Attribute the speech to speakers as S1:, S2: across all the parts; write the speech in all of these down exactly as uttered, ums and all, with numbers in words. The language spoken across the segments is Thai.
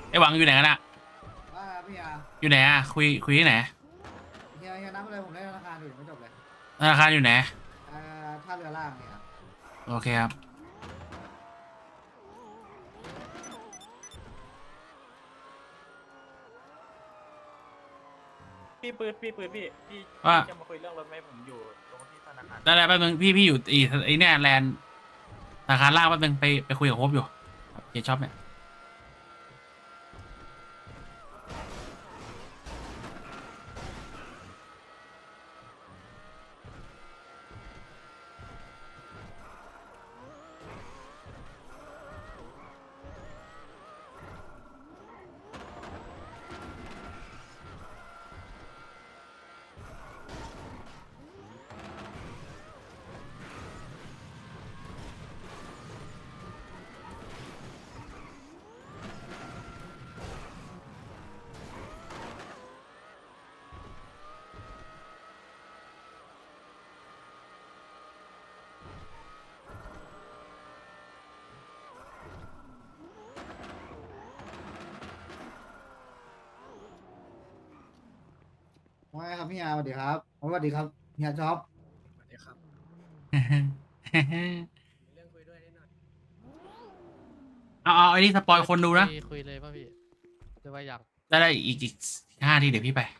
S1: ไอ้หวังอยู่ไหนกันอะ
S2: ว่าพี่อา
S1: อยู่ไหนอะคุยคุยที่ไหน
S2: เฮียเฮียนับอะไรผมได้ธนาคารอยู่ไม่จบเลย
S1: ธนาคารอยู่ไหน
S2: เอ่อท่าเรือล่างเนี่ยครับ
S1: โอเคครับ
S3: พี่ปืนพี่ปืนพี่พี่
S1: ว่า
S3: พี่จะมาคุยเรื่องรถไหมผมอยู่ตรงที่ธนาคาร
S1: ได้ได้แป๊บนึงพี่พี่อยู่ไอีไอเนี่ยแลนด์ธนาคารล่างแป๊บนึงไปไปคุยกับโฮปอยู่เฮียช็อปเนี่ย
S2: ว่าไงครับพี่อาสวัสดีครับสวัสดีครับเฮียจ๊อบ
S3: สวัสดีครับมีเรื่องคุยด้วยนิดหน่อย
S1: เอาเอาไอ้นี่สปอยคนดู
S4: คุ
S1: นะ
S4: ยคุยเลยป่ะพี่หรือว่าอยาก
S1: ได้ได้อีกอีกห้าทีเดี๋ยวพี่ไป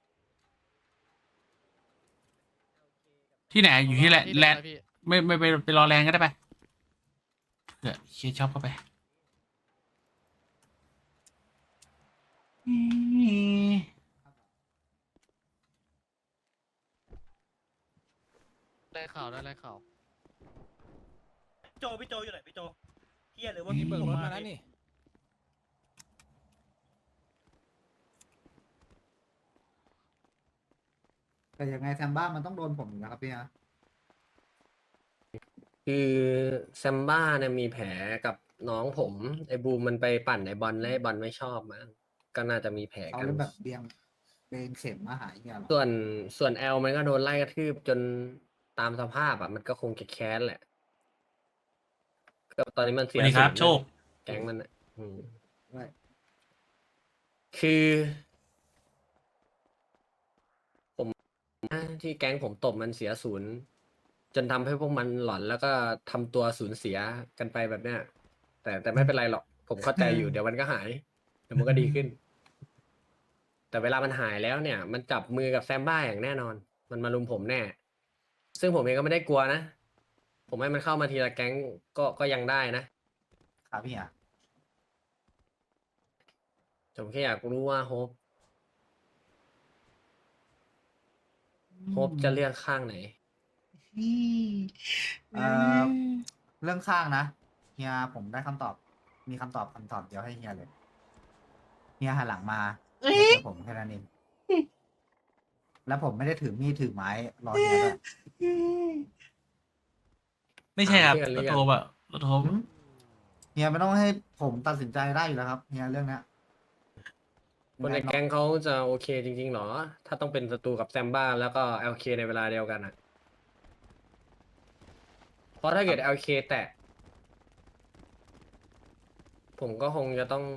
S1: ที่ไหนอยู่ที่แลนด์
S4: ที่
S1: แลนด์
S4: เดิมนะพี่
S1: ไม่ไม่ไปไปรอแลนด์ก็ได้ไปเดี๋ยวเฮียช็อปเข้าไป
S4: ได้ข่าวได้ได้ข่าว
S3: โจพี่โจอยู่ไหนพี่โจเฮียหรือว่า
S5: มีเบิกรถมา
S3: พี่
S5: แล้วนี่
S2: แต่ยังไงแซมบ้ามันต้องโดนผมอยู่นะครับพี่อา
S6: คือแซมบ้าเนี่ยมีแผลกับน้องผมไอ้บูมมันไปปั่นไอ้บอลแล้วไอ้บอลไม่ชอบมั้งก็น่าจะมีแผล
S2: เขา
S6: กัน
S2: เลยแบบเบียงเบนเข็มมาหาเฮียหรอ
S6: ส่วนส่วนแอลมันก็โดนไล่กระทืบจนตามสภาพอ่ะมันก็คงจะแค้นแหละก็ตอนนี้มัน
S1: ส
S6: เสีย
S1: วัสดีครับ
S6: ศูนย์
S1: โชค
S6: แก๊งมันอ่ะอืม
S2: ด้วย
S6: คือที่แก๊งผมตบมันเสียศูนย์จนทำให้พวกมันหลอนแล้วก็ทำตัวสูญเสียกันไปแบบเนี้ยแต่แต่ไม่เป็นไรหรอกผมเข้าใจอยู่เดี๋ยวมันก็หายเดี๋ยวมันก็ดีขึ้น แต่เวลามันหายแล้วเนี่ย มันจับมือกับแซมบ้าอย่างแน่นอน มันมาลุมผมแน่ ซึ่งผมเองก็ไม่ได้กลัวนะ ผมให้มันเข้ามาทีละแก๊งก็ก็ยังได้นะครับ
S2: พี่อา
S6: ผมแค่อยากรู้ว่าโฮปโฮปจะเลือกข้างไหน
S2: เอ่อเรื่องข้างนะเฮียผมได้คำตอบ มีคำตอบคำตอบเดียวให้เฮียเลยเฮียหันหลังมาเฮียเจอผมแค่นั้นเองแล้วผมไม่ได้ถือมีดถือไม้รอเฮียด้วย
S1: ไม่ใช่ครับ
S6: ถามเพื่อนห
S1: ร
S6: รือ
S1: ถ
S6: ยัง
S1: โทรอะรถโทร
S2: หืมเฮียไม่ต้องให้ผมตัดสินใจได้อยู่แล้วครับเฮียเรื่องเนี้ย
S6: คนในแก๊งเขาจะโอเคจริงๆหรอ ถ้าต้องเป็นศัตรูกับแซมบ้าแล้วก็ แอล เค ในเวลาเดียวกันอ่ะ เพราะถ้าเกิด แอล เค แตะ ผมก็คงจะต้อง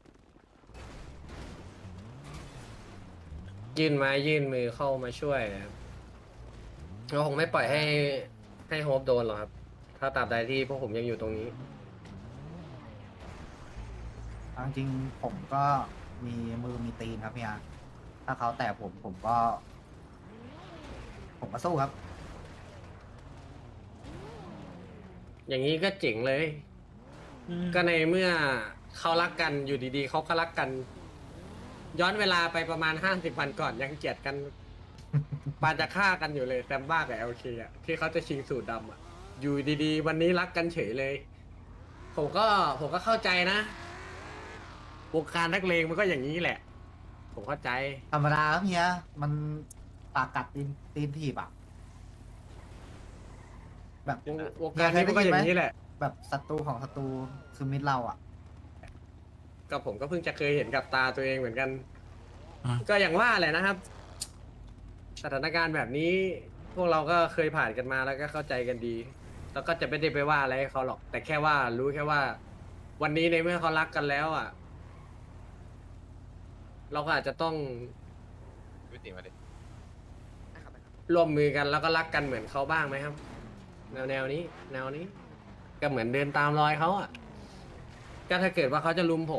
S6: ยื่นไม้ยื่นมือเข้ามาช่วยครับเราคงไม่ปล่อยให้ให้โฮปโดนหรอกครับ ถ้าตราบใดที่พวกผมยังอยู่ตรงนี้
S2: เอาจริงๆผมก็มีมือมีตีนครับเฮียถ้าเขาแตะผมผมก็ ผมก็สู้ครับ
S6: อย่างนี้ก็เจ๋งเลย ก็ในเมื่อเขารักกันอยู่ดีๆเขาก็รักกัน ย้อนเวลาไปประมาณห้าสิบวันก่อนยังเกลียดกัน ปานจะฆ่ากันอยู่เลยแซมบ้ากับเอลเคอ่ะที่เขาจะชิงสูตรดำอ่ะ อยู่ดีๆ วันนี้รักกันเฉยเลย ผมก็ผมก็เข้าใจนะวงการนักเลงมันก็อย่างนี้แหละ ผมเข้าใจ
S2: ธรรมดาครับเฮียมันปากกัดตีนตีนถีบอ่ะแบบ
S6: วงวงการนี้มันก็อย่างนี้แหละ
S2: แบบศัตรูของศัตรูคือมิตรเราอ่ะ
S6: ก็ผมก็เพิ่งจะเคยเห็นกับตาตัวเองเหมือนกัน
S1: อ่ะ
S6: ก็อย่างว่าแหละนะครับ สถานการณ์แบบนี้ พวกเราก็เคยผ่านกันมาแล้วก็เข้าใจกันดี แล้วก็จะไม่ได้ไปว่าอะไรให้เขาหรอก แต่แค่ว่ารู้แค่ว่า วันนี้ในเมื่อเขารักกันแล้วอ่ะเราก็อาจจะต้อง
S5: พี่ติมาดิ
S6: ร่วมมือกันแล้วก็รักกันเหมือนเขาบ้างไหมครับ แนวแนวนี้ แนวนี้ ก็เหมือนเดินตามรอยเขาอ่ะก็ถ้าเกิดว่าเขาจะลุมผม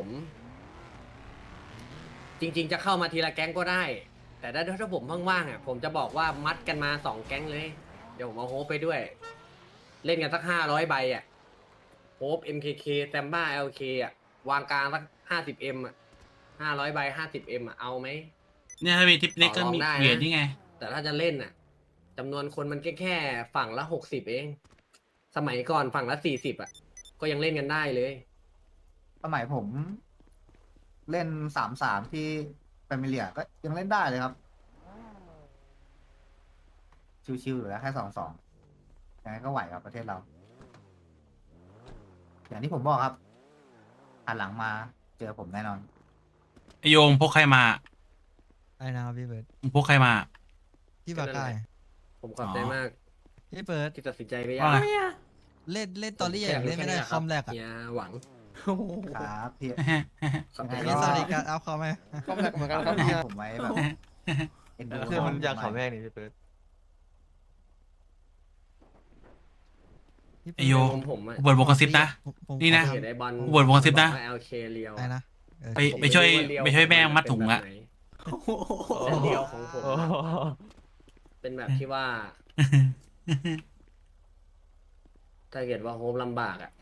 S6: จริง ๆ จะเข้ามาทีละแก๊งก็ได้ แต่ถ้าถ้าผมว่างๆอ่ะผมจะบอกว่ามัดกันมาสองแก๊งเลย เดี๋ยวผมเอาโฮปไปด้วย เล่นกันสักห้าร้อยใบอ่ะโฮป เอ็ม เค เค แซมบ้า แอล เค อ่ะวางกลางสักห้าสิบเอ็มอ่ะห้าร้อยใบห้าสิบเอ็มอ่ะเอาไหม
S1: เนี่ยถ้ามีทิปเล็กก็มี
S6: ต่อรองได้นะ
S1: เหรียญนี่ไง
S6: แต่ถ้าจะเล่นน่ะจำนวนคนมันแค่แค่ฝั่งละหกสิบเอง สมัยก่อนฝั่งละสี่สิบอ่ะ ก็ยังเล่นกันได้เลย
S2: สมัยผม เล่นสามสามที่แฟมิเลียก็ยังเล่นได้เลยครับ ชิวๆอยู่แล้วแค่สองสองยังไงก็ไหวครับประเทศเรา อย่างที่ผมบอกครับหันหลังมาเจอผมแน่นอน
S1: ไอโยงพกใครมา
S7: ได้นะครับพี่เบิร์ด
S1: มึงพกใครมา
S7: พี่บาก้า
S6: ผมขอบใจ
S1: อ๋อ
S6: มาก
S7: พี่เบิร์ด
S6: ที่ตัดสินใจไปยั
S1: ว่าไง
S7: เล่นเล่นตอรี่อย่างเล่นไม่ได้คอมแรกอะ
S6: อย่าหวัง
S2: ครับพี่
S6: ขอบใจ
S2: ยังไง
S7: พี่
S2: ก็
S7: สวัสดีการเอาคอมไหม
S5: คอมแรกเหมือนกันครับพี่
S2: ผมไว้แบบเอ็นดู
S5: คือมันอยากขอแม่นี่พี่เปิด
S7: พี่
S1: ไอโย
S6: ผมผมอะ
S1: กูเปิดวงกระซิบนะ
S7: ผมผม
S1: นี่นะ
S7: ขอ
S6: เห็นไอ้บอล
S1: กูเปิดวงกระซิบนะ
S6: แอลเคเลียว
S7: อะไรนะเออ
S1: ไปไปช่วยไปช่วยแม่งมัดถุงอะ
S6: แต่เลียวของผมเป็นแบบที่ว่า ถ้าเกิดว่าโฮมลำบากอ่ะ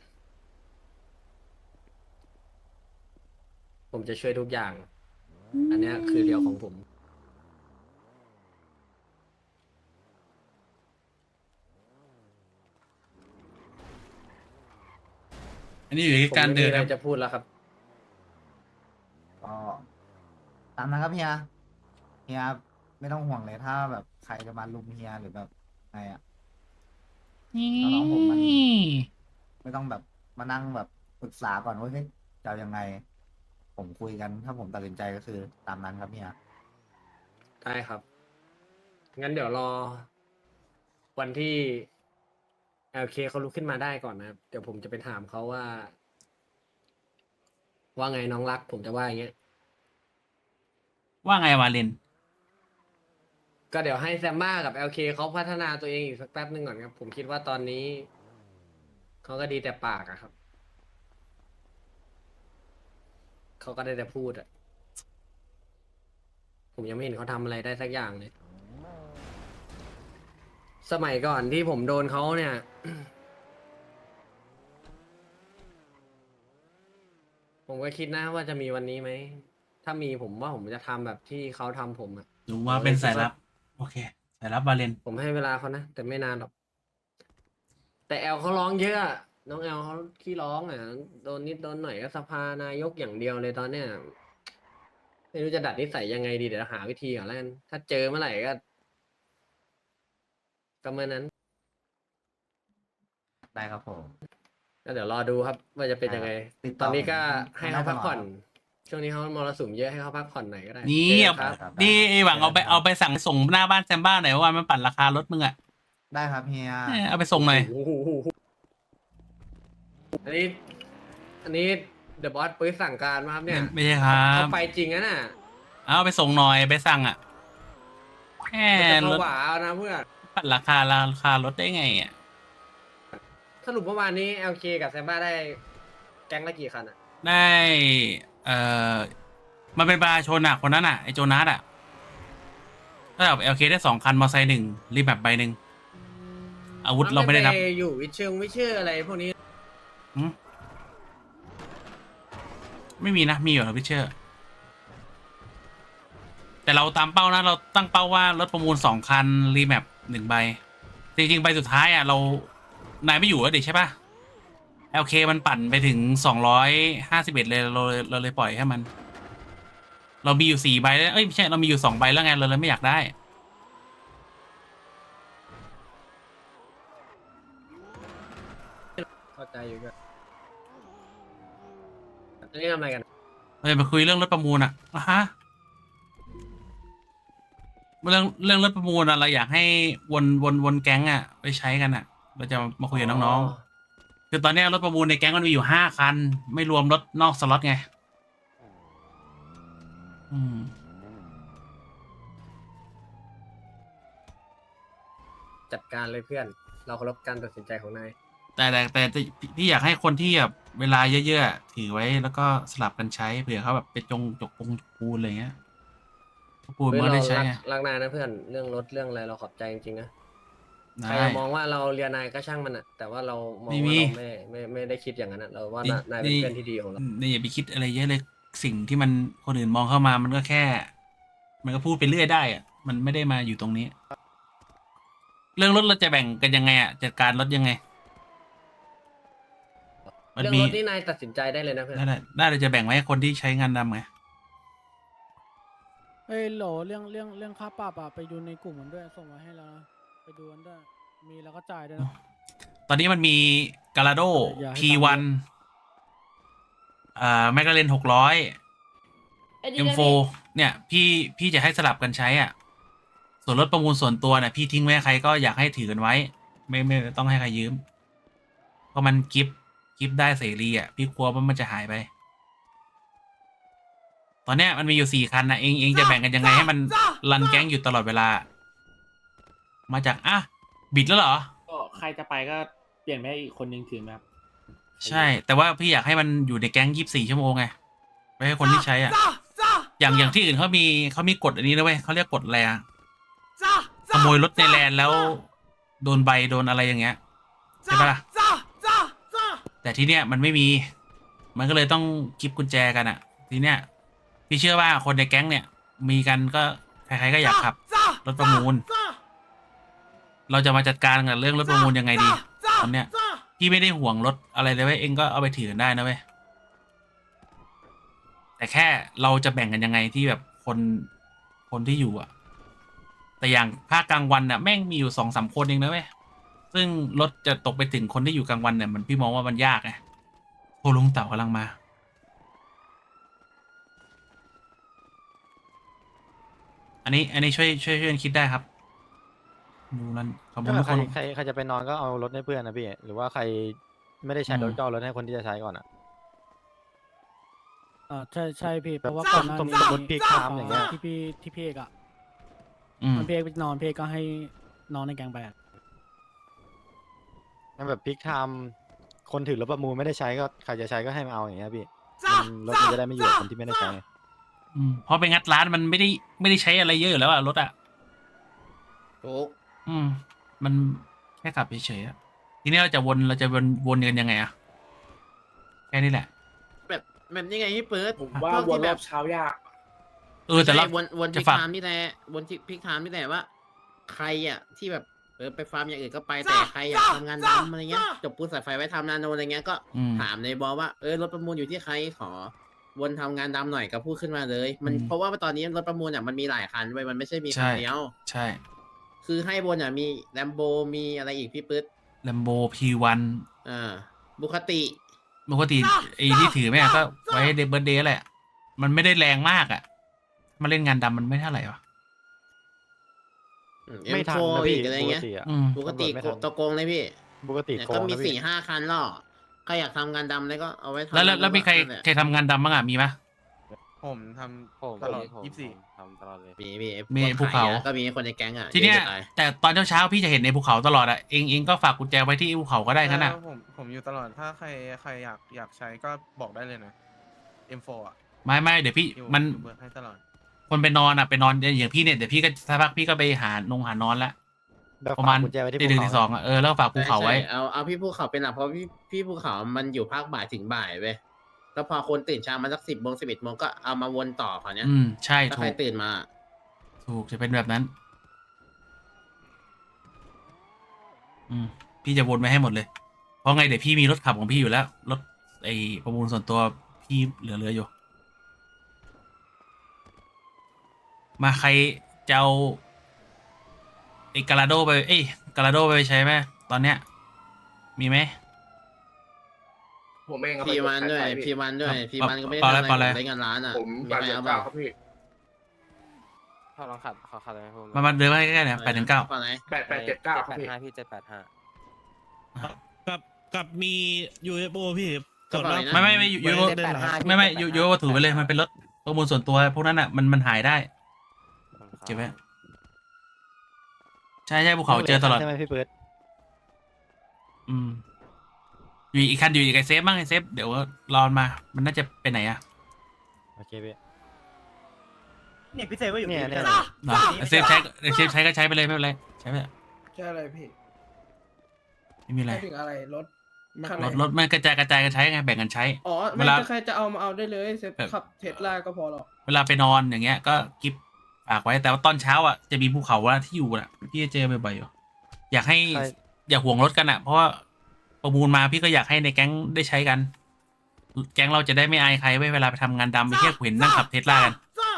S6: ผมจะช่วยทุกอย่าง อันเนี้ยคือเรียวของผม
S1: อันนี้อยู่ที่
S6: ผม
S1: การ
S6: ไม่
S1: เดิ
S6: มี
S1: น
S6: อะไร
S1: ครับ
S6: จะพูดแล้วครับ
S2: ก็ตามนั้นครับเฮียเฮียไม่ต้องห่วงเลยถ้าแบบใครจะมาลุมเฮียหรือแบบไงอ่ะ น้องๆผมมัน ไม่ต้องแบบมานั่งแบบปรึกษาก่อนว่าเฮ้ยจะเอายังไง ผมคุยกันถ้าผมตัดสินใจก็คือตามนั้นครับเฮีย
S6: ได้ครับ งั้นเดี๋ยวรอ วันที่ แอล เค เขาลุกขึ้นมาได้ก่อนนะครับ เดี๋ยวผมจะไปถามเขาว่า ว่าไงน้องรัก ผมจะว่าอย่างเงี้ย
S1: ว่าไงวาเลน
S6: ก็เดี๋ยวให้แซมบ้ากับ แอล เค เขาพัฒนาตัวเองอีกสักแป๊บหนึ่งก่อนครับ ผมคิดว่าตอนนี้ เขาก็ดีแต่ปากอะครับ เขาก็ได้แต่พูดอะผมยังไม่เห็นเขาทำอะไรได้สักอย่างเลย สมัยก่อนที่ผมโดนเขาเนี่ย ผมก็คิดนะว่าจะมีวันนี้ไหม ถ้ามีผมว่าผมจะทำแบบที่เขาทำผมอะ
S1: หนูว่าเป็นสายลับ โอเค สายลับวาเลน
S6: ผมให้เวลาเขานะ แต่ไม่นานหรอก แต่แอลเขาร้องเยอะอะน้องแอลเขาขี้ร้องอ่ะโดนนิดโดนหน่อยก็สภานายกอย่างเดียวเลยตอนเนี้ยไม่รู้จะดัดนิสัยยังไงดีเดี๋ยวหาวิธีก่อนแล้วกันถ้าเจอเมื่อไหร่ก็ก็เมื่อนั้น
S2: ได้ครับผม
S6: ก็เดี๋ยวรอดูครับ ว่าจะเป็นยังไง
S2: ติด
S6: ต
S2: ต่
S6: อ
S2: อน
S6: นี้ก็
S2: ผม
S6: ให้เขาพักผ่อน
S2: ได้ตลอดครับ
S6: ช่วงนี้เขามรสุมเยอะให้เขาพักผ่อนหน่อยก็ได้
S1: นี่
S6: เจอ
S1: เอา
S6: กันครับ
S2: ครับ
S1: นี่ไอหวังเอาไปเอาไปสั่งส่งหน้าบ้านแซมบ้าหน่อยว่ามันปั่นราคารถมึงอะ
S2: ได้ครับเฮีย
S1: เออเอาไปส่งหน่อย
S6: โอ้โหอันนี้ อันนี้เดอะบอสปื้สั่งการมาครับเนี่ย
S1: ไม่ใช่ครั
S6: เขา
S1: บ
S6: ไปจริงนะน่ะ
S1: เอาไปส่งหน่อยไปสั่งอะแค่
S6: มันจะ
S1: รถ
S6: ผวาเอานะเพื่อน
S1: ปั่นราคาราคารถได้ไงอะ
S6: สรุปเมื่อวานนี้ แอล เค กับแซมบ้าได้แก๊งละกี่คันอ่ะ
S1: ได้ เอ่อ มันเป็นประชาชนอะคนนั้นอะไอโจนัสอะก็แบบเอลเคได้สองคันมอเตอร์ไซค์หนึ่งรีแบบใบหนึ่งอาวุธเราไม่ได้นับ
S6: ปอยู่วิเชิงวิเชื่ออะไรพวกนี้
S1: หืมไม่มีนะ มีอยู่นะพิเชอร์ แต่เราตามเป้านะ เราตั้งเป้าว่ารถประมูลสองคัน รีแมปหนึ่งใบ จริงๆ ใบสุดท้ายอ่ะ เรา นายไม่อยู่แล้วดิใช่ปะ แอล เค มันปั่นไปถึงสองร้อยห้าสิบเอ็ดเลยเราเลยเราเลยปล่อยให้มัน เรามีอยู่สี่ใบแล้ว เอ้ยไม่ใช่ เรามีอยู่สองใบแล้วไง เราเลยไม่อยากได้
S6: เข้าใจอยู่ก็อันนี้ทำอะไรกัน
S1: เราจะไปคุยเรื่องรถประมูลอ่ะอ่ะฮะ เรื่องเรื่องรถประมูลอะเราอยากให้วนวนวนแก๊งอ่ะไปใช้กันอ่ะ เราจะมาคุยกับน้องๆ คือตอนเนี้ยรถประมูลในแก๊งมันมีอยู่ห้าคัน ไม่รวมรถนอกสล็อตไงอืม
S6: จัดการเลยเพื่อน เราเคารพการตัดสินใจของนาย
S1: แต่แต่แต่แต่พี่อยากให้คนที่แบบเวลาเยอะๆถือไว้แล้วก็สลับกันใช้เผื่อเขาแบบไปจงจกปงจกปูนอะไรเงี้ยปูน
S6: เฮ้ย
S1: มัน
S6: เรา
S1: ได้ใช้
S6: รัก
S1: ไง
S6: รักนายนะเพื่อนเรื่องรถเรื่องอะไรเราขอบใจจริงๆนะใคร
S1: ได้
S6: จะมองว่าเราเรียนนายก็ช่างมันอะแต่ว่าเรามอง
S1: ไม่
S6: ว่า
S1: มี
S6: เราไม่ไม่ไม่ได้คิดอย่างนั้นอะเราว่า
S1: นี่
S6: นายเป็นเพื่อนที่ดีของเรา
S1: นี่อย่าไปคิดอะไรเยอะเลยสิ่งที่มันคนอื่นมองเข้ามามันก็แค่ มันก็พูดไปเรื่อยได้อะมันไม่ได้มาอยู่ตรงนี้ เรื่องรถเราจะแบ่งกันยังไงอ่ะจัดการรถยังไง มัน
S6: เรื่อง
S1: มี
S6: รถนี่นายตัดสินใจได้เลยนะเพื่อน
S1: ได้ได้ได้เราจะแบ่งไว้ให้คนที่ใช้งานดำไง
S8: เอ้ยโหลเรื่องเรื่องเรื่องค่าปรับอะไปดูในกลุ่มมันด้วยส่งมาให้แล้วนะไปดูกันด้วยมีแล้วก็จ่ายด้วยนะ
S1: ตอนนี้มันมีกาลาโด
S8: อย่าให้
S1: พี วัน อ่าแมกกาเลนหกร้อย
S9: ไอ้ดี
S1: เอ็ม
S9: เลย
S1: โฟ เนี่ย พี่พี่จะให้สลับกันใช้อ่ะ ส่วนรถประมูลส่วนตัวเนี่ยพี่ทิ้งไว้ให้ใครก็อยากให้ถือกันไว้ ไม่ไม่ไม่ต้องให้ใครยืม เพราะมันกิฟต์กิฟต์ได้เสรีอ่ะ พี่กลัวว่ามันจะหายไป ตอนเนี้ยมันมีอยู่สี่คันนะเองเองจะแบ่งกันยังไงให้มันรันแก๊งอยู่ตลอดเวลา มาจากอ่ะบิดแล้วเหรอ
S10: ก็ใครจะไปก็เปลี่ยนไปให้อีกคนนึงถือไหมครับ
S1: ใช่ แต่ว่าพี่อยากให้มันอยู่ในแก๊งยี่สิบสี่ชั่วโมงไงไว้ให้คนที่ใช้อ่ะ อย่างอย่างที่อื่นเขามีเขามีกฎอันนี้นะเว้ยเขาเรียกกฎอะไรอ่ะขโมยรถในแลนด์แล้วโดนใบโดนอะไรอย่างเงี้ยใช่ปะล่ะแต่ที่เนี้ยมันไม่มี มันก็เลยต้องกิฟกุญแจกันอ่ะ ทีเนี้ยพี่เชื่อว่าคนในแก๊งเนี่ย มีกันก็ใครๆก็อยากขับรถประมูล เราจะมาจัดการกับเรื่องรถประมูลยังไงดีตอนเนี้ยพี่ไม่ได้ห่วงรถอะไรเลยเว้ยเองก็เอาไปถือกันได้นะเว้ยแต่แค่เราจะแบ่งกันยังไงที่แบบคนคนที่อยู่อะแต่อย่างภาคกลางวันน่ะแม่งมีอยู่สองสามคนเองนะเว้ยซึ่งรถจะตกไปถึงคนที่อยู่กลางวันเนี่ยมันพี่มองว่ามันยากไงโอ้ลุงเต่ากำลังมา อันนี้ อันนี้ช่วยช่วยช่วยกันคิดได้ครับดูนั่นขอบคุณทุก
S5: ใค
S1: ค
S5: ร
S1: น
S5: ใครใครจะไปนอนก็เอารถให้เพื่อนนะพี่ หรือว่าใครไม่ได้ใช้รถ
S1: อืม
S5: ก็เอารถให้คนที่จะใช้ก่อนอ่ะ
S8: อ่าใช่ใช่พี่เพราะว่า
S5: แบบ
S8: ก่อนหน้า
S5: สม
S8: นี้
S5: สมมุติพี่ข้ามอย่างเงี้ย
S8: ที่พี่ที่พี่เอกอะ
S1: อืม
S8: มันพี่เอกไปนอนพี่เอกก็ให้นอนในแกงไปอะ
S5: งั้นแบบพลิกไทม์คนถือรถประมูลไม่ได้ใช้ก็ใครจะใช้ก็ให้มาเอาอย่างเงี้ยพี่มันรถมันจะได้ไม่อยู่กับคนที่ไม่ได้ใช้ไง
S1: อืมเพราะไปงัดร้านมันไม่ได้ไม่ได้ใช้อะไรเยอะอยู่แล้วอะรถอะ
S6: ถูก
S1: อืม มันแค่ขับเฉยๆอะทีนี้เราจะวนเราจะวนวนกันยังไงอะแค่นี้แหละ
S11: แบบแบบนี้ไงพี่เปิด
S10: ผมว่า
S11: พก
S10: วน
S11: ที่
S10: ร
S11: แบ
S10: อบบ เช้ายาก
S1: เออแต่เรา
S11: ใช่วนวน
S1: จะ
S11: พิก
S1: ฝาก
S11: ไทม์นี่แหละวนพิกไทม์นี่แหละว่า ใครอ่ะที่แบบเออไปฟาร์มอย่างอื่นก็ไปแต่ใครอยากทำงานดำอะไรเงี้ยจบปูนสายไฟไว้ทำนาโนอะไรเงี้ยก็
S1: อืม
S11: ถามในบอว่าเออรถประมูลอยู่ที่ใครขอ วนทำงานดำหน่อยก็พูดขึ้นมาเลย มัน
S1: อืม
S11: เพราะว่าตอนนี้รถประมูลอ่ะมันมีหลายคันเว้ยมันไม่ใช่มีคัน
S1: ใช่
S11: เดียว
S1: ใช่
S11: คือให้วนอ่ะมีแลมโบมีอะไรอีกพี่ปึ๊ด
S1: แลมโบพีวัน
S11: อ่าบุคติ
S1: ปกติไอ้ที่ถือแม่งก็ไว้เดบเบิร์เดย์แหละ มันไม่ได้แรงมากอะมาเล่นงานดำมันไม่เท่าไหร่วะ
S5: ไม่ทัน
S11: เอ็มโฟ
S5: นะพี่
S11: อีกอะไร
S5: ปก
S11: เงี้ย
S5: ติอ่ะ
S1: อืม
S11: ปกติ
S5: ตำรวจไม่ทัน
S11: ตะโกงเลยพี่
S5: ปกติ
S11: เนี่ย
S5: โก
S11: ก็
S5: ง
S11: มี
S5: นะ
S11: สี่
S5: พี่
S11: ห้าคันหรอกใครอยากทำงานดำเลยก็เอาไว้ทำ
S1: แล้วแล้วแล้วมีใคร
S11: นั่นแหละ
S1: ใครทำงานดำบ้างอะมีปะ
S5: ผมทำตลอดยี่สิบสี่ทำตลอดเลย
S11: มีมี
S1: มี
S11: พวก
S1: ภูเขา
S11: ขยอะก็มีคนในแก๊งอ่ะ
S1: ทีเนี้ย
S11: อะจะตา
S1: แต่ตอนเช้าๆพี่จะเห็นในภูเขาตลอดอะเองเองก็ฝากกุญแจไว้ที่ภูเขาก็ได้งั้นอะ
S12: ผมผมอยู่ตลอดถ้าใครใครอยากอยากใช้ก็บอกได้เลยนะ เอ็ม โฟ อ่ะ
S1: ไม่ไม่เดี๋ยวพี่
S12: อยู่
S1: มัน
S12: อยู่เบิร์ดให้ตลอด
S1: คนไปนอนอะไปนอนอย่างพี่เนี่ยเดี๋ยวพี่ก็สักพักพี่ก็ไปหานงหานอนละ
S5: แบบ
S1: ประมาณ
S5: ฝกกุญแจไว้ที่
S1: ตีหนึ่ง
S5: ภู
S1: ตี
S5: เขา
S1: สองอะเออแล้วฝากภูเขาไว้
S11: ใช่ใช่เอาเอาพี่ภูเขาเป็นหลักเพราะพี่พี่ภูเขามันอยู่ภาคบ่ายถึงบ่ายเว้ยแล้วพอคนตื่นเช้ามาสักสิบโมงสิบเอ็ดโมงก็เอามาวนต่อเขาวเนี้ย
S1: อืมใช่
S11: ถ้า
S1: ถู
S11: ใคร
S1: ก
S11: ตื่นมา
S1: ถูกจะเป็นแบบนั้น อืมพี่จะวนไว้ให้หมดเลย เพราะไงเดี๋ยวพี่มีรถขับของพี่อยู่แล้ว รถไอประมูลส่วนตัวพี่เหลือๆอยู่ มาใครจะเอาไอกาลาโดไป เอ้ยกาลาโดไปใช้ไหมตอนเนี้ย มีไหม
S10: ผมเอง
S11: พีวันด้วยพีวันด้วย
S1: ครับ
S11: พีวันก็ไม่ได้
S1: ปอ
S11: ทำ
S1: อะไร
S11: อะไร
S1: ปออะไร
S11: ผมได้เงินล้านอ่ะ
S10: ผม
S11: มี
S10: แปด
S11: ใคร
S10: เจ็ด
S11: เอา
S10: เก้า
S11: เปล่า
S10: ครับพี่
S5: ถ้าลองขัดขอขัดเลยผม
S1: มามาเดินมาใกล้ๆหน่อยแปดถึงเก้า
S11: ปอไหน
S10: แปดแปดเจ็ดเก้าครับพี่
S5: ห้าพี่เจ็ดแปดห้า
S3: กับกับมี ยู เอฟ โอ พี่
S11: กระเป๋าไหนนะ
S1: ไม่ไม่ไม่ยูยู
S3: เจ็ดแปดห้า
S1: ไม่ไม่ยูยูว่าถือไปเลยมันเป็นรถข้อมูลส่วนตัวพวกนั้นอ่ะมันมันหายได้เก็บไว้ใช่ใช่ภูเขาเจอตลอด
S5: ใช่ไหมพี่เปิด
S1: อืมอยู่อีกคันอยู่อีกไอเซฟบ้างไอเซฟเดี๋ยวรอมามันน่าจะไปไหนอะ
S5: โอเคพี่
S3: เนี่ยพี่เซฟก็อยู่
S5: เนี่ย
S3: พี่
S5: เนี่ย
S3: เซฟ
S1: เนาะไอเซฟใช้ไอเซฟใช้ก็ใช้ไปเลยไม่เป็นไรใช้ไปเถอะ
S10: ใช่อะไรพี่
S1: ไม่มีอะไร
S10: ถึงอะไรรถ
S1: รถรถมันกระจายกระจายกันใช้ไงแบ่งกันใช้
S10: อ๋อ
S1: เว
S10: ไม่
S1: ลา
S10: ใครจะเอามาเอาได้เลยเซฟ
S1: แบบ
S10: ขับเทสลาก็พอหรอก
S1: เวลาไปนอนอย่างเงี้ยก็กิฟฝากไว้แต่ว่าตอนเช้าอ่ะจะมีภูเขาว่าที่อยู่อ่ะพี่จะเจอบ่อยๆอยู่อยากให้
S5: ใช่
S1: อย่าห่วงรถกันอ่ะเพราะว่าประมูลมาพี่ก็อยากให้ในแก๊งได้ใช้กัน แก๊งเราจะได้ไม่อายใครไว้เวลาไปทำงานดำไปเที่ยวเห็นนั่งขับเทสลากัน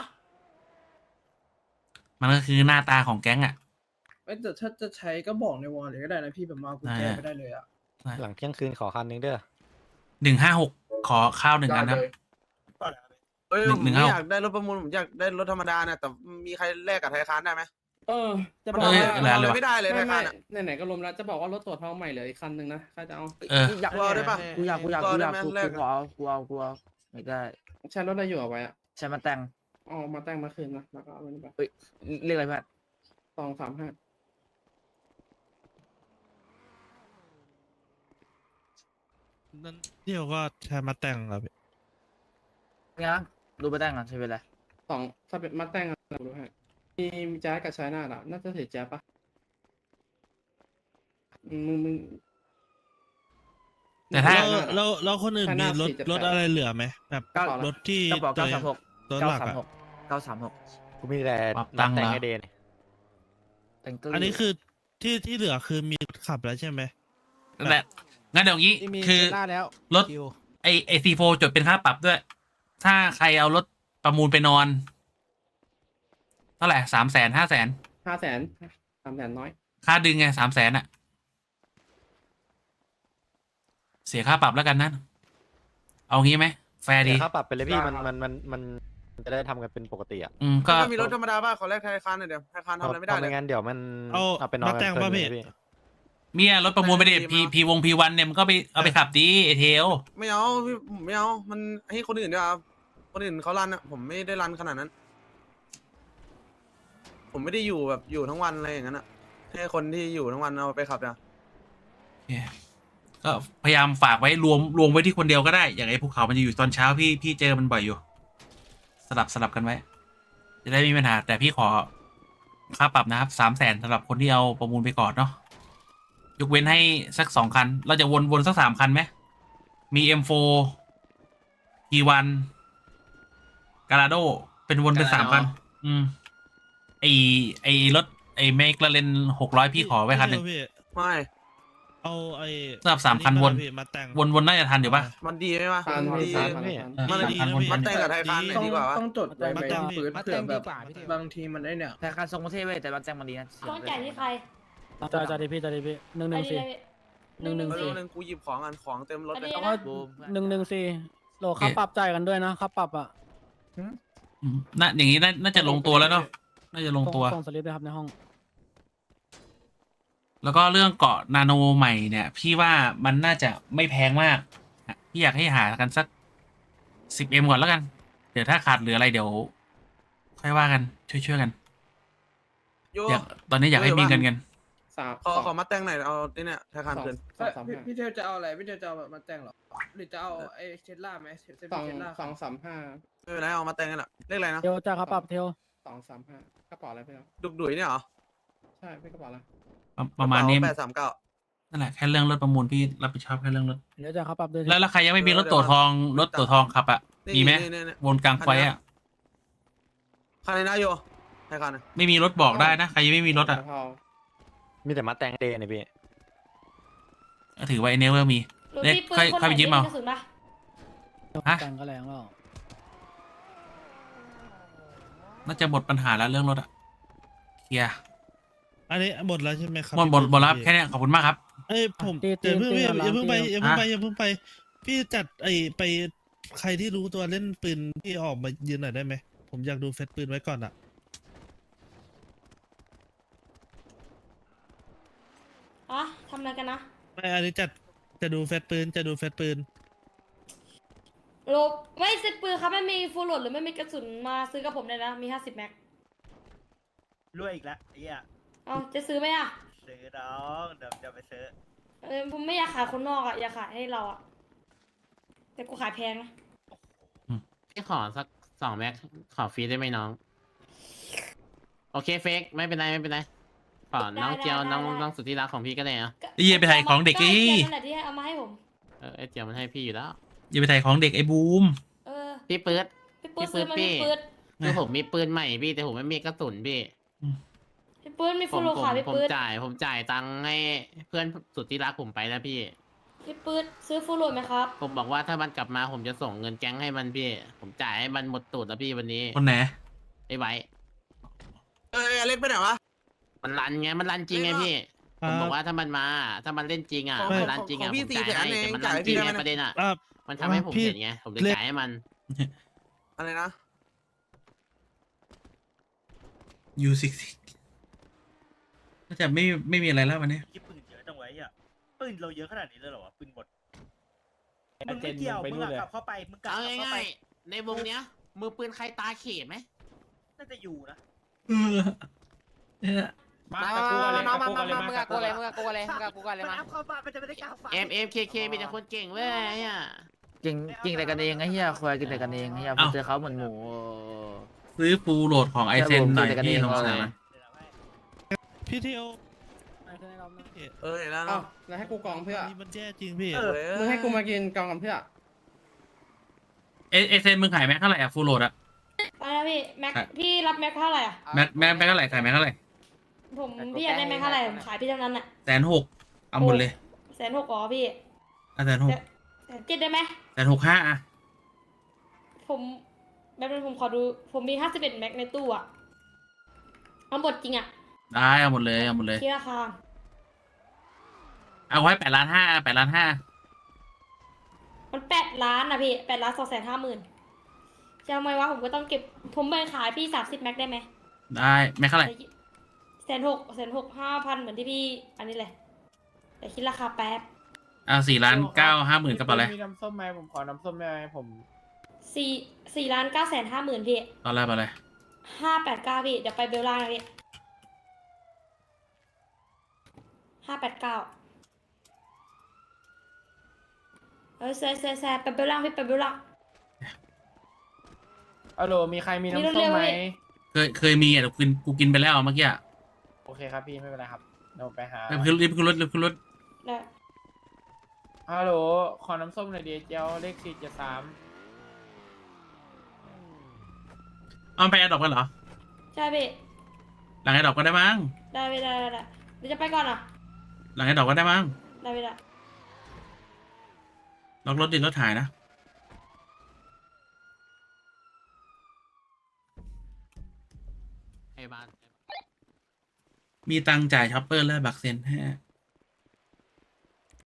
S1: มันก็คือหน้าตาของแก๊งอ่ะ
S10: เอ้ยแต่ถ้าจะใช้ก็บอกในวอลเลยก็ได้นะพี่แบบมาเอากุญแจ
S1: ได้
S10: ไปได้เลยอ่ะ
S5: หลังเที่ยงคืนขอคันนึงเด้อ
S1: หนึ่งห้าหกขอข้าวหนึ่งอันครับ
S12: เอ้ย
S1: หนึ่
S12: ผ
S1: ง
S12: ม
S1: หนึ่ง
S12: ไม่
S1: เอา
S12: อยากได้รถประมูลผมอยากได้รถธรรมดาเนี่ยแต่มีใครแลกกับไทยคานได้ไหม
S11: เออ จะบ
S12: มัน
S11: อก
S12: เอา
S1: เอ้ย
S12: ไม่
S1: อะไร
S12: เอา
S1: วะ
S12: ไม่ได้เลยไท
S11: ไม่
S12: ย
S11: ไม่
S12: คานอ่ะ
S11: ไหนๆก็ลมแล้วจะบอกว่ารถตัวจทองใหม่เหลืออีกคันหนึ่งนะใครจะเอา
S1: เออ
S12: อยากเอาได้ปะ
S10: กูอยากกูอยากกูอยากกู
S12: แลก
S10: กูเอากูเอากูเอาไม่ได้
S11: ใช้รถอะไรอยู่เอาไว้อะ
S10: ใช้มาแต่ง
S11: เอามาแต่งมาคืนนะแล้วก็เอาไปนี่ไป
S10: เอ้ยเรียกอะไรเพื่อน
S11: สองสามห้า
S8: นั่นเที่ยวก็ใช้มาแต่งครับ
S10: เนี่ยดูมาแต่งก่อนใช้เวลา
S11: สองถ้าเป็นมาแต่งอะดูให้มีมีแจ๊สกับชายนาดอะน่าจะเสียแจ๊สปะมึงมึง
S1: แต่ถ้า
S11: แล้วแล้ว
S8: แล้วคนอื่นมีรถรถอะไรเหลือไหมแบบ
S11: เก้าร
S8: ถที่
S10: กระบอก
S8: ตัว
S10: เก้าสามหก
S8: รถหลักอะ
S10: เก้าสามหก
S5: กูมีแต่
S1: ปรับตังค์
S5: แต่ง
S1: เหรอ
S5: ไอเดน
S10: แต่งตัว
S8: อันนี้คือที่ที่เหลือคือมีขับแล้วใช่ไหม
S1: นั่นแหละงั้นเดี๋ยวงี้
S8: ที่มี
S1: คือ
S8: เจล่าแล้ว
S1: รถ ไอไอซีโฟจดเป็นค่าปรับด้วย ถ้าใครเอารถประมูลไปนอนเท่าไหร่สามแสนห้าแสน
S11: ห้าแสนสามแสนน้อย
S1: ค่าดึงไงสามแสนอะเสียค่าปรับแล้วกันนะเอางี้ไหมแฟร์ดี
S5: เดี๋ยวค่าปรับไปเลยพี่มันมันมันมันมันจะได้ทำกันเป็นปกติอ่ะ
S1: อืมก็
S12: ก็มีรถธรรมดาป่ะขอแลกไทยคานหน่อยเดี๋ยวไทยคานทำอะไรไม่ได้
S5: เพา
S12: เลย
S5: งั้นเดี๋ยวมัน
S8: เอา
S5: เอาไปนอน
S8: มาแต่ง
S5: กัน
S8: ป่ะ
S5: เกิน
S8: พี่
S5: เลยพี่
S1: เมียรถประมูลไปดิ
S12: ไม่
S1: พี
S12: ดีมั้ง
S1: พีวงพีวันเนี่ยมันก็ไปเอาไปขับดีไอเทล
S12: ไม่เอาพี่ผมไม่เอามันให้คนอื่นดีกว่าคนอื่นเขารันอ่ะผมไม่ได้รันขนาดนั้น ผมไม่ได้อยู่แบบอยู่ทั้งวันอะไรอย่างนั้นอ่ะให้คนที่อยู่ทั้งวันเอาไปขับอ่ะ
S1: ก็พยายามฝากไว้รวมรวมไว้ที่คนเดียวก็ได้ อย่างไอ้ภูเขามันจะอยู่ตอนเช้าพี่พี่เจอมันบ่อยอยู่ สลับสลับกันไว้ จะได้ไม่มีปัญหา แต่พี่ขอค่าปรับนะครับสามแสนสำหรับคนที่เอาประมูลไปก่อนเนาะยกเว้นให้สักสองคัน เราจะวนวนสักสามคันไหมมี เอ็ม โฟร์ พี วัน กาลาโดเป็นวนเป็นสามคัน อืมไอไอรถไอเมกลาเรนหกร้อยพี่ขอไว้คันหนึ่ง
S8: พี่
S12: ไม่
S8: เอาไอ้
S1: สำหรับสามคันวน
S8: พี่มาแต่ง
S1: วนวนน่าจะทันอยู่ปะ
S12: มันดีไหมวะ
S11: ทาน
S12: มัน
S11: พี่
S12: ดี
S11: ทาน
S5: พี่
S11: ทาน
S1: เออ
S12: มัน
S1: สามคันวน
S12: มันแต่งกับไทยคานหน่อยดีกว่าวะ
S10: ต้องจดไว้ไหม
S8: มาแต่ง
S10: ปืน
S7: มา
S10: เผื่
S7: แต่
S10: อง แบ
S7: ดี
S10: บ
S7: กว่าพี่เทว
S10: บางทีมันได้เนี่ย
S3: ธนาคารทรงประเทศเว้ยแต่มันแจ้งมาดีนะ
S9: ต้องจ่ายที่ใคร
S8: จ่ายจ่ายดิพี่จ่ายดิพี่หนึ่งหนึ่งสี่ หนึ่งหนึ่ง
S12: เอ
S8: สี่
S12: อหนึ่งกูหยิบของอันของเต็มรถ
S9: อัน
S12: เลย
S9: นี้
S8: แล้ว
S9: นะ
S8: ก็หนึ่งหนึ่งสี่โหลค่าปรับจ่ายกันด้วยนะค่าปรับอ่ะ
S1: อืมน่าอย่างนี้น่าน่าจะลงตัวแล้วเนาะน่าจะลงตัว
S8: ส่ส่งสลิปด้วยครับในห้อง
S1: แล้วก็เรื่องเกาะนาโนใหม่เนี่ย พี่ว่ามันน่าจะไม่แพงมากอ่ะพี่อยากให้หากันสักสิบเอ็มก่อนแล้วกัน เดี๋ยวถ้าขาดเหลืออะไรเดี๋ยว ค่อยว่ากันช่วยๆกัน
S12: โย
S1: อยากตอนนี้อยากให้มีเงินกัน
S11: สาม
S12: ขอขอมาแต่งหน่อยเอาที่เนี่ยไทยคาน
S11: สอง
S12: เกิน
S11: สองสาม
S10: พี่
S11: ห้า
S10: พี่เทลจะเอาอะไรพี่เทลจะเอาแบบมาแต่งเหรอหรือจะเอาไอ้เทสลาไหมเซฟ
S11: สอง
S10: เทสลา
S11: สองสามห้า
S12: ไม่เป็นไรเอามาแต่งกันแหละเลขอะไรนะ
S8: เทลจ่ายค่าปรับเทล
S11: สองสามห้ากระเป๋าอะไรพี่ครับ
S12: ดุกดุยเนี่ยเหรอ
S11: ใช่พี่กระเป๋าอะไร
S1: ประประมาณนี้
S12: แปดสามเก้า
S1: นั่นแหละแค่เรื่องรถประมูลพี่รับผิดชอบแค่เรื่องรถ
S8: เดี๋ยวจ่ายค่าปรับด้วย
S1: แล้วแล้วใครยังไม่มีรถตั๋วทองรถตั๋วทองขับอ่ะมีไหม
S12: นี่นี่นี่
S1: วนกลางไฟอ่ะ
S12: คันนี้นะโยไทยคานนะ
S1: ไม่มีรถบอกได้นะใครยังไม่มีรถอ่ะ
S11: เทา
S5: มีแต่มาแต่งเดนเนี่ยพี่
S1: ถือไว้เนเวอร์มี
S9: หนู
S1: เนี่ย
S9: มีปืน
S1: ค่อย
S9: คน
S1: ค่อยไป
S9: ไหน
S1: ยืม
S9: ที่
S1: เอา
S9: กระสุนปะ
S1: ฮะ
S8: แต่งก็แรงแล้ว
S1: น่าจะหมดปัญหาแล้วเรื่องรถอ่ะเคลียร์
S8: อันนี้หมดแล้วใช่ไหมครับ
S1: หมดหมดหมดแล้วครับแค่เนี้ยขอบคุณมากครับ
S8: เอ้ยผมตีตีอย่าเพิ่ง ตี พี่กันอย่าเพิ่งไปล้างอย่าเพิ่งไป
S1: ฮะ
S8: อย่าเพิ่งไป พี่จัดไอ้ไปใครที่รู้ตัวเล่นปืนพี่ออกมายืนหน่อยได้ไหมผมอยากดูเฟซปืนไว้ก่อนอ่ะ
S9: อ๋อทำอะไรกันนะ
S8: ไม่อันนี้จัดจะดูเฟซปืนจะดูเฟซปืน
S9: หนูโลไม่ซื้อปืนครับไม่มีฟูลโหลดหรือไม่มีกระสุนมาซื้อกับผมเลยนะมีห้าสิบแม็ก
S3: รวยอีกแล้วไอ้เหี้ย
S9: เอาจะซื้อไหมอ่ะ
S3: ซื้อน้องเดี๋ยวเดี๋ยวไปซื้อ
S9: เออผมไม่อยากขายคนนอกอ่ะอยากขายให้เราอ่ะแต่กูขายแพงนะ
S11: พี่ขอสักสองแม็กขอฟรีได้ไหมน้อง โอเคเฟกไม่เป็นไรไม่เป็นไรขอน้องเจียวน้องน้องสุดที่รักของพี่ก็ได้อะ
S1: ไอ้เหี้ยไปถ่ายของเด็ก
S9: ก็
S1: อี
S9: แค่นั่นแหละที่เอามาให้ผม
S11: เออไอเจียวมันให้พี่อยู่แล้ว
S1: อย่าไปถ่ายของเด็กไอ้บูม
S9: เออ
S11: พี่ปื๊ด
S9: พี่ปื้ด
S11: พี่ปื๊
S9: ซื้อ
S11: ด
S9: มา
S11: พี่
S9: พี่ปื้ด
S11: คือผมมีปืนใหม่พี่แต่ผมไม่มีกระสุนพี่
S9: พี่ปื้ดมี
S11: ผ
S9: ฟู
S11: ม
S9: ลโหลด
S11: ผม
S9: ขายพี่
S11: ผม
S9: ปื้ด
S11: จ่ายผมจ่ายตังค์ให้เพื่อนสุดที่รักผมไปแล้วพี่
S9: พี่ปื้ดซื้อฟูลโหลดไหมครับ
S11: ผมบอกว่าถ้ามันกลับมาผมจะส่งเงินแก๊งให้มันพี่ ผมจ่ายให้มันหมดตูดแล้วพี่วันนี้
S1: คนไหน
S11: ไอ้ไว้
S12: เอ้ยอเล็กไปไหนวะ
S11: มันรันไงมันรันจริงไงพี่ ผมบอกว่าถ้ามันมา ถ้ามันเล่นจริงอ่ะ
S12: ของ
S11: มันรันจริง
S12: ขอ
S11: อ่ะ
S12: ง
S11: ผ
S12: พี่
S11: มจ่ายให้
S12: สี่แสนเอง
S11: แต่มัน
S12: จ่า
S11: รั
S12: ย
S11: น
S12: ให้
S11: จริง
S12: พี่
S11: ไง
S12: ได้ไหม
S11: ประเด็นอ่ะ
S7: อ่ะ
S11: มันทำให้ผม
S7: พี่
S11: เห็นไง ผมเลย
S7: เล็ก
S11: จ่ายให้มัน
S12: อะไรนะ
S1: ยูซิกก็จะไม่ไม่มีอะไรแล้ววันนี้
S3: ยี่ปืนเยอะจังไว้อ่ะปืนเราเยอะขนาดนี้เลยเหรอวะปืนหมดมึงไม่เกี่ยวมึงอะกลับเข้าไปมึงกลับ
S11: เอา
S3: เข้าไป
S11: ง่ายๆในวงเนี้ย มือปืนใครตาเขตไหม
S3: น่าจะอยู่นะ
S1: เออเนี่ย
S10: มากับกูอะไร
S11: มา
S10: มา
S11: มา
S10: มา
S11: มา
S10: มา
S11: มึงกับกูเลยมึงกับกูเลยมึงกับกูกันเลยมา
S3: นเข้ามามันจะไม่ได้กล้าฟัง
S11: M M K K มีแต่คนเก่งเว้ยอ่ะ
S10: จริงจริงแต่กันเองไอ้เหี้ยควายกินแต่กันเองไอ้เหี้ยผมเจอเขาเหมือนหมู
S1: ซื้อฟูลโหลดของไอเซนหน่อย
S10: ใช่ผม
S1: พี่
S10: เจอกันเอง
S1: สงสาร
S7: พี่เทียว
S8: ไอ้เท่าไหร่ครับนะ
S12: เออเห็นแล้ว
S10: เอ้า
S12: เนาะ
S10: แล้วให้กูกองเพื่อ
S7: นี่มันแย่จริงพี่
S3: เออ
S10: มึงให้กูมากินกองกันเพื่อ
S1: เอไอเซนมึงขายแม็กเท่าไหร่อะฟูลโหลดอะ
S9: ไปแล้วพี่แม็ก
S1: ครับ
S9: พี่รับแม็กเท่าไหร่อ่ะ
S1: แม็กแม็กแม็กเท่าไหร่ขายแม็กเท่าไหร่
S9: ผมพี่อยากได้แม็กเท่าไหร่ผมขายพี่เท่านั้นอ่ะ
S1: แสนหกเอาหมดเลย
S9: แสนหกอ๋อพี่
S1: อ่ะแสนหก
S9: แสนเจ็ดได้ไหม
S1: แสนหกห้าอะ
S9: ผมแบบนึงผมขอดูผมมีห้าสิบเอ็ดแม็กในตู้อ่ะเอาหมดจริงอ่ะ
S1: ได้เอาหมดเลยเอาหมดเลย
S9: คิดราคา
S1: เอาไว้แปดล้านห้าแปดล้านห้า
S9: มันแปดล้านนะพี่แปดล้านสองแสนห้าหมื่นจะเอาไหมวะผมก็ต้องเก็บผมไปขายพี่สามสิบแม็กได้ไหม
S1: ได้แม็กเท่าไหร่
S9: แสนหกแสนหกห้าพันเหมือนที่พี่อันนี้เลยแต่คิดราคาแป๊บ
S1: เอาสี่ล้านเก้าห้าหมื่นกระเป๋าเลย
S10: มีน้ำส้มไหมผมขอน้ำส้มได้ไหมผม
S9: สี่สี่ล้านเก้าแสนห้าหมื่นพี่
S1: ตอนแรกไปเลย
S9: ห้าแปดเก้าพี่เดี๋ยวไปเบลล่างนะพี่ห้าแปดเก้าเออแซ่แซ่แซ่ไปเบลล่างพี่ไปเบลล่าง
S10: ฮัลโหลมีใครมี
S9: มี
S10: น้ำส้
S9: เร็
S10: ม
S9: วๆ
S10: ไหม
S9: เว้ย
S1: เคยเคยมีอ่ะแต่กินกูกินไปแล้วเมื่อกี้อะ
S10: โอเคครับพี่ไม่เป็นไรครับเดี๋ยวผมไปหา
S1: ไปขึ้นรีบขึ้นรถรีบขึ้นรถ
S9: ได้
S10: ฮัลโหลขอน้ำส้มหน่อยดิเจียวเลขสี่เจ็ดสาม
S1: เอาไปแอดดอกกันเหรอ
S9: ใช่พี่
S1: หลังแอดดอกก็ได้มั้ง
S9: ได้พี่ได้ได้ได้เดี๋ยวจะไปก่อนอ่ะ
S1: หลังแอดดอกก็ได้มั้ง
S9: ได้พี่ได้
S1: ล็อกรถดิรถถ่ายนะ
S11: ไอ้บ้าน
S1: มีตังค์จ่ายช็อปเปอร์และบักเซนฮะ